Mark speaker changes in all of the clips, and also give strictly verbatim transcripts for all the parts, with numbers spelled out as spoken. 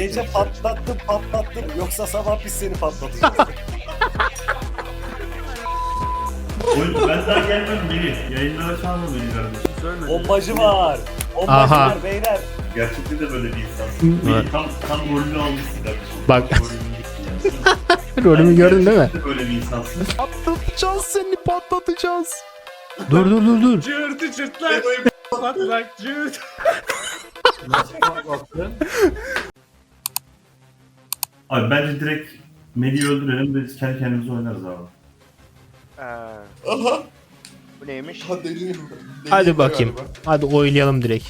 Speaker 1: Gece patlattım patlattım yoksa sabah biz seni patlatacağız.
Speaker 2: Oğlum ben daha gelmedim Melih. Yayınlara çalma beni kardeşim.
Speaker 1: Bombacı var. Bombacı
Speaker 3: Aha.
Speaker 1: var beyler.
Speaker 2: Gerçekten de böyle bir insansın. Melih tam, tam rolünü almışsın kardeşim.
Speaker 3: Bak.
Speaker 2: Rolünü yani.
Speaker 3: Rolümü gördün değil mi?
Speaker 2: Gerçekten de böyle bir insansın.
Speaker 3: Patlatacağız seni, patlatacağız. Dur dur dur dur.
Speaker 4: Cırtı çırtlak. Patlak cırt.
Speaker 5: Nasıl patlattın?
Speaker 2: Abi bence direkt Melih'i öldürelim de biz kendi kendimize oynarız abi.
Speaker 6: Aha.
Speaker 7: Bu neymiş?
Speaker 6: Ha deli.
Speaker 3: Hadi bakayım. Hadi oylayalım direkt.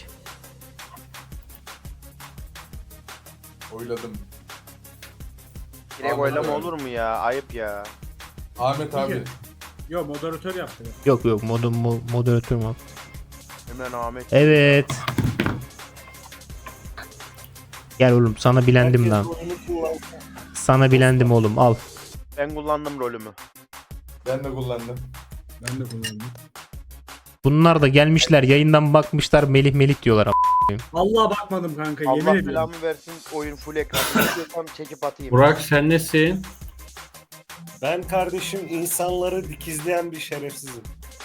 Speaker 6: Oyladım.
Speaker 7: Direkt
Speaker 6: Ahmet
Speaker 7: oylama
Speaker 6: abi.
Speaker 7: olur mu ya? Ayıp ya.
Speaker 6: Ahmet abi.
Speaker 4: Yo moderatör yaptı.
Speaker 3: Yok yok mod mo moderatör mu?
Speaker 7: Hemen Ahmet.
Speaker 3: Evet. Gel oğlum, sana bilendim
Speaker 1: Herkes
Speaker 3: lan.
Speaker 1: oyunu kullansın.
Speaker 3: Sana bilendim oğlum, al.
Speaker 7: Ben kullandım rolümü.
Speaker 6: Ben de kullandım.
Speaker 4: Ben de kullandım.
Speaker 3: Bunlar da gelmişler yayından bakmışlar, Melih Melih diyorlar.
Speaker 4: Allah bakmadım kanka yemin
Speaker 7: Allah
Speaker 4: ediyorum.
Speaker 7: belamı versin, oyun full ekran. İstiyorsam çekip atayım.
Speaker 5: Burak sen nesin?
Speaker 1: Ben kardeşim insanları dikizleyen bir şerefsizim.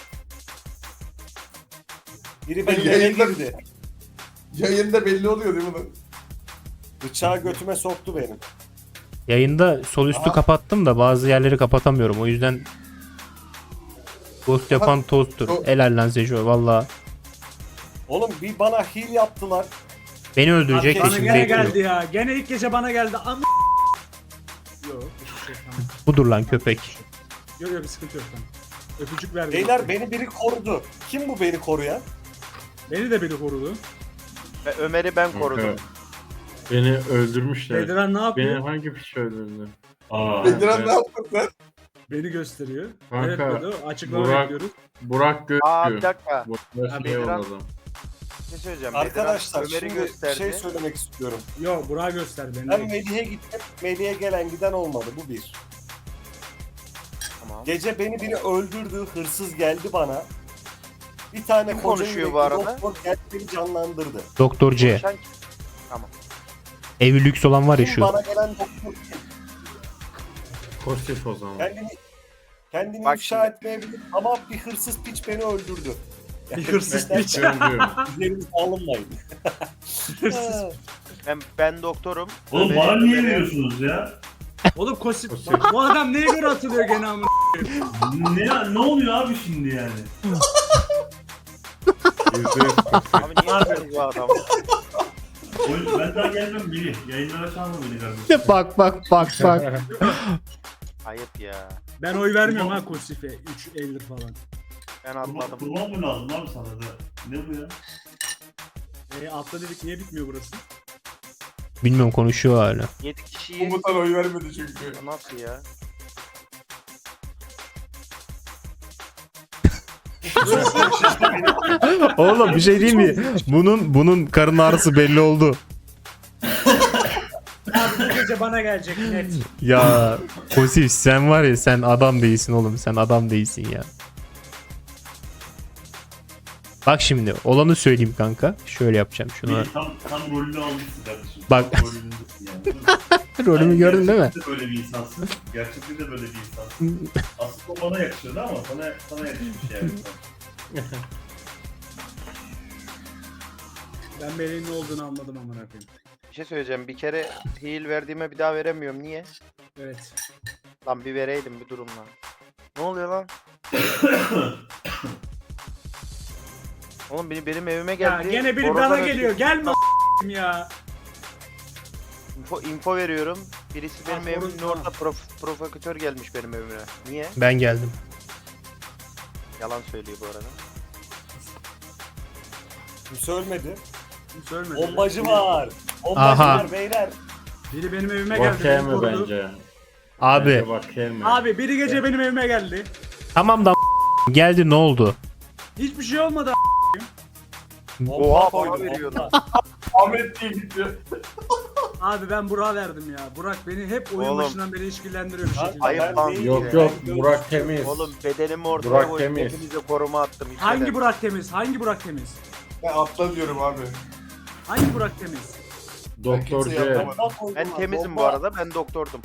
Speaker 1: Biri benim eve
Speaker 6: Yayında-
Speaker 1: girdi.
Speaker 6: Yayında belli oluyor değil mi lan?
Speaker 1: Bıçağı götüme soktu benim.
Speaker 3: Yayında sol üstü
Speaker 1: Aha.
Speaker 3: kapattım da bazı yerleri kapatamıyorum. O yüzden ghost yapan tozdur.
Speaker 6: o-
Speaker 3: Helal lan Sejo valla.
Speaker 1: Oğlum bir bana heal yaptılar.
Speaker 3: Beni öldürecek de
Speaker 4: Bana
Speaker 3: şimdi
Speaker 4: gene
Speaker 3: bekliyor.
Speaker 4: geldi ya. Gene ilk gece bana geldi. Am Yok hiçbir şey tamam.
Speaker 3: Budur lan köpek.
Speaker 4: Yok yok bir sıkıntı yok tamam. Öpücük verdim.
Speaker 1: Beyler beni biri korudu. Kim bu beni koruyan?
Speaker 4: Beni de biri korudu.
Speaker 7: Ve Ömer'i ben korudum.
Speaker 5: Beni öldürmüşler.
Speaker 4: Bedran ne yapıyor?
Speaker 5: Beni hangi piç öldürdü?
Speaker 2: Aa.
Speaker 6: Bediren
Speaker 5: evet.
Speaker 6: ne yaptın lan?
Speaker 4: Beni gösteriyor.
Speaker 5: Kanka,
Speaker 4: Evet Bedo açıklama
Speaker 5: Burak-
Speaker 4: bekliyoruz.
Speaker 5: Burak
Speaker 7: Aa bir
Speaker 5: gözlüyor.
Speaker 7: dakika.
Speaker 5: Burak
Speaker 4: Abi,
Speaker 5: şey
Speaker 7: Bedran-
Speaker 5: yolladım.
Speaker 7: Bir şey söyleyeceğim.
Speaker 1: Arkadaşlar
Speaker 7: Bedran Ömer'i
Speaker 1: şimdi
Speaker 7: gösterdi.
Speaker 1: şey söylemek istiyorum.
Speaker 4: Yok Burak'ı göster beni.
Speaker 1: Ben Melih'e gittim. Melih'e gelen giden olmadı. Bu bir.
Speaker 7: Tamam.
Speaker 1: Gece beni biri öldürdü. Hırsız geldi bana. Bir tane
Speaker 7: Kim
Speaker 1: koca
Speaker 7: konuşuyor
Speaker 1: yürekli
Speaker 7: bu arada?
Speaker 1: doktor geldi beni canlandırdı.
Speaker 3: Doktor C.
Speaker 7: Konuşan kim?
Speaker 3: Evi lüks olan var ya
Speaker 1: Kim
Speaker 3: şu.
Speaker 1: bana gelen doktor kim?
Speaker 5: Pozitif o zaman.
Speaker 1: Kendini, kendini
Speaker 7: Bak
Speaker 1: ifşa
Speaker 7: şimdi.
Speaker 1: etmeyebilir ama bir hırsız piç beni öldürdü. Yani
Speaker 4: Bir hırsız
Speaker 1: bizden
Speaker 4: piç.
Speaker 5: Öldürüyorum.
Speaker 1: üzerimize alınmayın.
Speaker 4: Hırsız.
Speaker 7: Ben, ben doktorum.
Speaker 2: Oğlum
Speaker 7: Ömer'i-
Speaker 2: bana niye
Speaker 7: Ömer'i-
Speaker 2: veriyorsunuz ya?
Speaker 4: Oğlum kosit.
Speaker 5: Kosit.
Speaker 4: Bak, bu adam neye göre atılıyor gene amına?
Speaker 2: ne, ne oluyor abi şimdi yani?
Speaker 5: Yüzde yüz pozitif.
Speaker 7: Abi niye yapıyorsunuz bu adamı?
Speaker 2: Oğlum ben daha gelmedim Melih. Yayınlara çalma beni kardeşim.
Speaker 3: Bak bak bak bak.
Speaker 7: Ayıp ya.
Speaker 4: Ben oy vermiyorum ha Kosif'e. üç elli falan.
Speaker 7: Ben
Speaker 2: Kurban,
Speaker 7: atmadım.
Speaker 2: kurban mı lazım abi sana da? Ne bu ya?
Speaker 4: E altta dedik niye bitmiyor burası?
Speaker 3: Bilmiyorum, konuşuyor hala.
Speaker 7: yedi kişiyi...
Speaker 6: Umut'tan oy vermedi çünkü.
Speaker 7: Nasıl ya?
Speaker 3: Oğlum bir şey değil mi? Bunun bunun karın ağrısı belli oldu.
Speaker 4: Abi bu gece bana gelecek net.
Speaker 3: Ya Kosif sen var ya, sen adam değilsin oğlum, sen adam değilsin ya. Bak şimdi olanı söyleyeyim kanka. Şöyle yapacağım şunu.
Speaker 2: Melih tam, tam rolünü almışsın kardeşim.
Speaker 3: Bak.
Speaker 2: Tam rolündesin yani.
Speaker 3: Rolümü gördün değil mi?
Speaker 2: Gerçekten de böyle bir insansın. Gerçekten de böyle bir insansın. Aslında o bana yakışıyordu ama sana, sana yakışmış yani.
Speaker 4: Ben Melih'in ne olduğunu anladım amına koyayım.
Speaker 7: Bir şey söyleyeceğim. Bir kere heal verdiğime bir daha veremiyorum. Niye?
Speaker 4: Evet.
Speaker 7: Lan bir vereydim bir durumla. Ne oluyor lan? Oğlum beni benim evime
Speaker 4: Ya
Speaker 7: geldi.
Speaker 4: gene biri
Speaker 7: Oradan
Speaker 4: bana
Speaker 7: ötürü
Speaker 4: geliyor. Gelme a**im ya.
Speaker 7: Info, info veriyorum. Birisi benim
Speaker 4: Ha,
Speaker 7: evimin
Speaker 4: sorun-
Speaker 7: orada prof, provokatör gelmiş benim evime. Niye?
Speaker 3: Ben geldim.
Speaker 7: Yalan söylüyor bu arada.
Speaker 1: Kimse ölmedi.
Speaker 4: Kim söylemedi.
Speaker 1: Bombacı var. Bombacı
Speaker 3: Aha.
Speaker 1: var beyler.
Speaker 4: Biri benim evime geldi.
Speaker 5: Bak
Speaker 4: beni
Speaker 5: gelme
Speaker 4: korudu.
Speaker 5: bence.
Speaker 3: Abi
Speaker 5: Bence bak gelme.
Speaker 4: Abi biri gece benim evime geldi.
Speaker 3: tamam da geldi, ne oldu?
Speaker 4: Hiçbir şey olmadı.
Speaker 1: Bomba
Speaker 7: Oha,
Speaker 1: koydu,
Speaker 7: bana veriyor
Speaker 1: bomba.
Speaker 6: Ahmet diye gidiyor.
Speaker 4: Abi ben Burak'a verdim ya. Burak beni hep oyun
Speaker 7: Oğlum.
Speaker 4: başından beri ilişkilendiriyor bir
Speaker 1: Lan,
Speaker 4: şekilde.
Speaker 7: ayıp
Speaker 1: ben
Speaker 7: lan.
Speaker 1: değilim.
Speaker 5: Yok
Speaker 7: Ya.
Speaker 5: yok Burak temiz.
Speaker 7: Oğlum bedenimi ortaya
Speaker 5: Burak
Speaker 7: koydum.
Speaker 5: temiz.
Speaker 7: Hepinize koruma attım. hiç
Speaker 4: Hangi
Speaker 7: neden?
Speaker 4: Burak temiz? Hangi Burak temiz?
Speaker 6: Ben atla diyorum abi.
Speaker 4: Hangi Burak temiz?
Speaker 5: Doktor
Speaker 6: kimseye
Speaker 5: C.
Speaker 6: yapamadım.
Speaker 1: Bomba koydum
Speaker 7: Ben
Speaker 1: ha,
Speaker 7: temizim bu
Speaker 1: bomba.
Speaker 7: arada. Ben doktordum.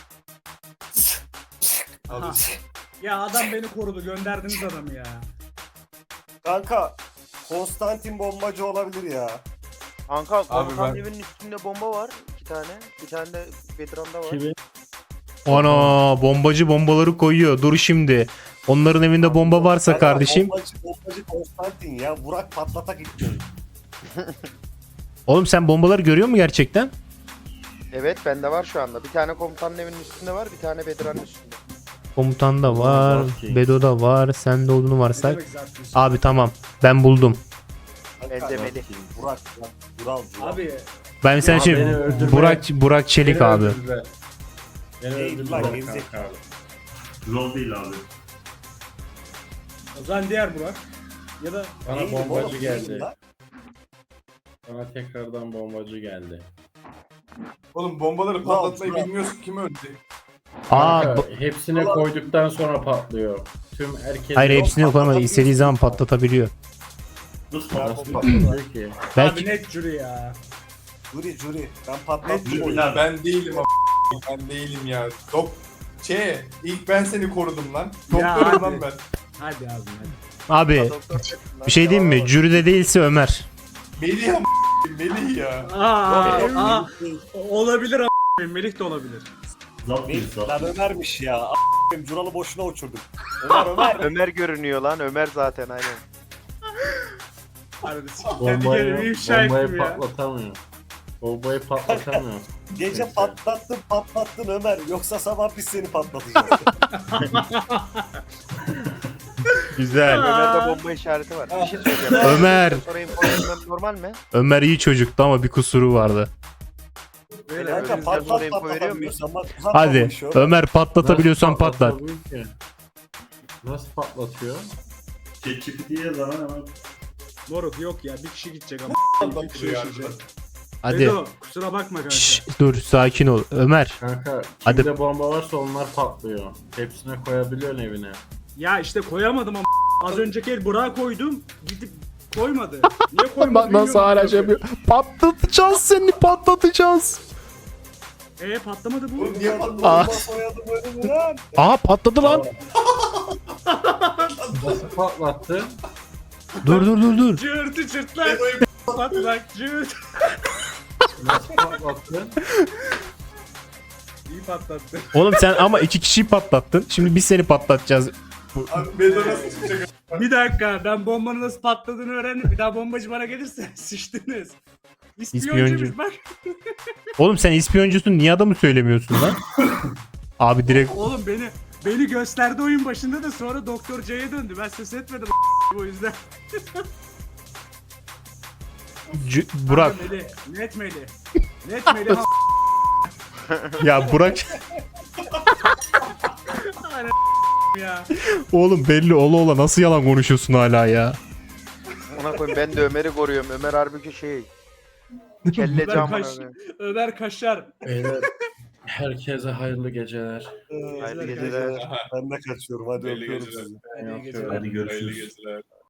Speaker 6: Abi,
Speaker 4: Ha. Ya adam beni korudu. Gönderdiniz adamı ya.
Speaker 1: Kanka Konstantin bombacı olabilir ya.
Speaker 7: Kanka
Speaker 6: Abi
Speaker 7: komutan
Speaker 6: ben-
Speaker 7: evinin üstünde bomba var. iki tane. Bir tane de Bedran'da var.
Speaker 5: Kimi?
Speaker 3: Ana bombacı bombaları koyuyor. Dur şimdi. Onların evinde bomba varsa
Speaker 1: Kanka,
Speaker 3: kardeşim.
Speaker 1: Bombacı, bombacı Konstantin ya. Burak patlatak gitti.
Speaker 3: Oğlum sen bombaları görüyor musun gerçekten?
Speaker 7: Evet bende var şu anda. Bir tane komutanın evinin üstünde var. Bir tane Bedran'ın üstünde.
Speaker 3: Komutanda var.
Speaker 5: Okey.
Speaker 3: Bedo'da var. Sende olduğunu
Speaker 4: Ne
Speaker 3: varsak.
Speaker 4: demek zaten?
Speaker 3: Abi tamam. Ben buldum.
Speaker 1: Kanka,
Speaker 7: Benzemeli.
Speaker 1: Burak, Burak, Burak, Burak.
Speaker 4: Abi
Speaker 3: Ben sen
Speaker 5: Ya
Speaker 3: şimdi
Speaker 5: beni öldürme.
Speaker 3: Burak Burak Çelik
Speaker 5: Beni
Speaker 3: abi.
Speaker 5: öldürdüler. Beni
Speaker 1: Ey,
Speaker 5: öldürdüler
Speaker 1: lan, gerizekalı.
Speaker 5: kanka.
Speaker 2: Rol değil abi.
Speaker 4: o zaman diğer Burak. Ya da
Speaker 5: Bana
Speaker 1: Neydi
Speaker 5: bombacı
Speaker 1: oğlum?
Speaker 5: geldi.
Speaker 1: Lan.
Speaker 5: Bana tekrardan bombacı geldi.
Speaker 6: Oğlum bombaları
Speaker 1: Bravo,
Speaker 6: patlatmayı
Speaker 1: bravo.
Speaker 6: bilmiyorsun, kim öldü?
Speaker 3: Aa
Speaker 5: Kanka,
Speaker 3: bu-
Speaker 5: hepsini koyduktan sonra patlıyor. Tüm herkes...
Speaker 3: hayır
Speaker 1: Yok,
Speaker 3: hepsini yok ama
Speaker 1: patlatabiliyorsun.
Speaker 3: istediği zaman patlatabiliyor.
Speaker 2: Nasıl
Speaker 1: Ya,
Speaker 2: patlasın?
Speaker 5: Patlıyor ki.
Speaker 4: abi
Speaker 3: Belki
Speaker 4: net jüri ya.
Speaker 1: Jüri jüri. Ben patlattım
Speaker 6: Jüri,
Speaker 1: oyunu.
Speaker 6: ya ben değilim a- ben değilim ya. Dok Şey, ilk ben seni korudum lan.
Speaker 4: Ya
Speaker 6: Doktorum
Speaker 4: hadi.
Speaker 6: lan ben.
Speaker 4: Hadi abi hadi.
Speaker 3: abi
Speaker 7: Doktor çıktı lan.
Speaker 3: bir şey diyeyim mi?
Speaker 7: Devam var.
Speaker 3: Jüride değilse Ömer.
Speaker 6: Melih a- Melih ya.
Speaker 4: Aa,
Speaker 1: Yok,
Speaker 4: aa,
Speaker 1: yok, değil.
Speaker 4: olabilir a**. Melih de olabilir.
Speaker 2: Zap değil
Speaker 1: Değil.
Speaker 2: zap.
Speaker 1: Lan Ömer'miş ya. A**ayım, Curalı boşuna uçurdum. Ömer Ömer.
Speaker 7: Ömer görünüyor lan. Ömer zaten aynen.
Speaker 4: Hadi kendi kendimi
Speaker 5: Bombayı,
Speaker 4: ifşa
Speaker 5: bombayı
Speaker 4: ettim ya.
Speaker 5: patlatamıyor. Bombayı patlatamıyor.
Speaker 1: Gece
Speaker 5: Neyse.
Speaker 1: patlattın patlattın Ömer. Yoksa sabah biz seni patlatacağız.
Speaker 3: Güzel.
Speaker 7: Ömer'de bomba işareti var. Bir şey söyleyeceğim.
Speaker 3: Ömer.
Speaker 7: Sonra info vermem normal mi?
Speaker 3: Ömer iyi çocuktu ama bir kusuru vardı.
Speaker 4: Böyle
Speaker 1: Kanka
Speaker 7: önünüzden sonra
Speaker 1: patlat
Speaker 7: info veriyor muyum?
Speaker 1: patlatamıyorsan bak uzatma bu
Speaker 3: Hadi
Speaker 1: işi Ömer.
Speaker 3: Ömer patlatabiliyorsan
Speaker 5: Nasıl
Speaker 3: patlat.
Speaker 5: patlatabiliyor ki? Nasıl patlatıyor?
Speaker 2: ChatGPT'ye zaman hemen
Speaker 4: Moruk yok ya bir kişi gidecek ama. Bir kişi
Speaker 6: Patlatıyor
Speaker 4: yaşayacak.
Speaker 6: ya.
Speaker 3: Hadi.
Speaker 4: Bedo, kusura bakma kanka.
Speaker 3: Şşş, dur sakin ol. Ömer.
Speaker 5: Kanka
Speaker 3: Hadi.
Speaker 5: kimde bomba varsa onlar patlıyor. Hepsine koyabiliyorsun evine.
Speaker 4: Ya işte koyamadım ama az önceki el Burak'a koydum. Gidip koymadı. Niye koymadı
Speaker 3: Bak nasıl
Speaker 4: bilmiyorum.
Speaker 3: hala şey yapıyor. Patlatacağız seni patlatacağız.
Speaker 4: Eee patlamadı bu.
Speaker 6: Oğlum niye
Speaker 3: Aa.
Speaker 6: patlatıyor?
Speaker 1: Soyadım öyle mi lan?
Speaker 3: Aa patladı lan.
Speaker 5: Nasıl patlattı?
Speaker 3: Dur dur dur dur.
Speaker 4: Cırtı cırtlar. Patlak cırt.
Speaker 5: Nasıl patlattı?
Speaker 4: İyi patlattı.
Speaker 3: Oğlum sen ama iki kişiyi patlattın. Şimdi biz seni patlatacağız.
Speaker 6: Abi Bedo nasıl çıkacak?
Speaker 4: Bir dakika ben bombanın nasıl patladığını öğrendim. Bir daha bombacı bana gelirse sıçtınız. İspiyoncuymuş
Speaker 3: İspiyoncu.
Speaker 4: bak.
Speaker 3: Oğlum sen ispiyoncusun niye adamı söylemiyorsun lan? Abi direkt
Speaker 4: Oğlum beni beni gösterdi oyun başında da sonra Doktor C'ye döndü. Ben ses etmedim o yüzden.
Speaker 3: C- Burak.
Speaker 4: Kanka Melih, net Melih. Net Melih.
Speaker 3: Ya Burak
Speaker 4: Aynen ya.
Speaker 3: oğlum belli ola ola nasıl yalan konuşuyorsun hala ya?
Speaker 7: Ona koyayım ben de Ömer'i koruyorum. Ömer halbuki şey. Kelle
Speaker 4: Ömer,
Speaker 7: cam
Speaker 4: kaş, Ömer Kaşar.
Speaker 5: Beyler herkese hayırlı geceler.
Speaker 7: Hayırlı geceler.
Speaker 1: Ben de kaçıyorum hadi
Speaker 6: Belli
Speaker 1: öpüyorum
Speaker 6: geceler.
Speaker 1: sizi.
Speaker 4: İyi
Speaker 5: Hadi
Speaker 4: geceler.
Speaker 2: hadi görüşürüz.
Speaker 6: Hayırlı geceler.